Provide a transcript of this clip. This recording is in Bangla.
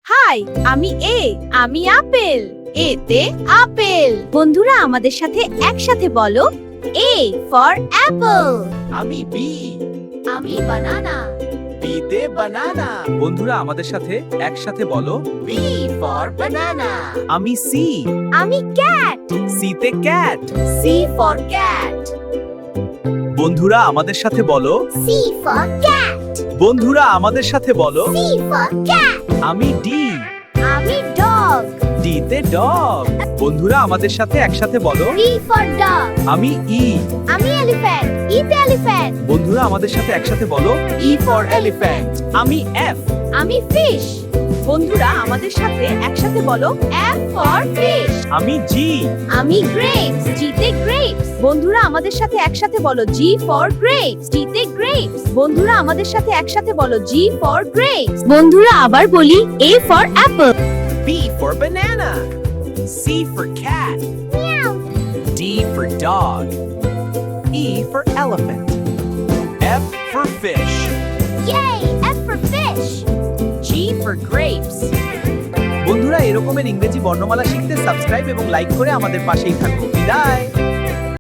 হাই, আমি আমি আপেল। এতে আপেল। বন্ধুরা আমাদের সাথে একসাথে বলো এ ফর অ্যাপল। আমি বি আমি বানানা। বিতে বানানা। বন্ধুরা আমাদের সাথে একসাথে বলো বি ফর বানানা। আমি সি আমি ক্যাট। সিতে ক্যাট। C for cat. বন্ধুরা আমাদের সাথে বলো সি ফর ক্যাট। বন্ধুরা আমাদের সাথে বলো সি ফর ক্যাট। আমি ডি আমি ডগ। ডিতে ডগ। বন্ধুরা আমাদের সাথে একসাথে বলো ডি ফর ডগ। আমি ই আমি এলিফ্যান্ট। ইতে এলিফ্যান্ট। বন্ধুরা আমাদের সাথে একসাথে বলো ই ফর এলিফ্যান্ট। আমি এফ আমি ফিশ। বন্ধুরা আমাদের সাথে একসাথে বলো এফ ফর ফিশ। আমি জি আমি গ্রেপস। জিতে গ্রেপস। বন্ধুরা আমাদের সাথে একসাথে বলো জি ফর গ্রেপস। জিতে গ্রেপস। বন্ধুরা আমাদের সাথে একসাথে বলো জি ফর গ্রেপস। বন্ধুরা আবার বলি A for apple. B for banana C for cat D for dog E for elephant F for fish Yay! F for fish. G for grapes. বন্ধুরা এরকমের ইংরেজি বর্ণমালা শিখতে সাবস্ক্রাইব এবং লাইক করে আমাদের পাশেই থাকুন বিদায়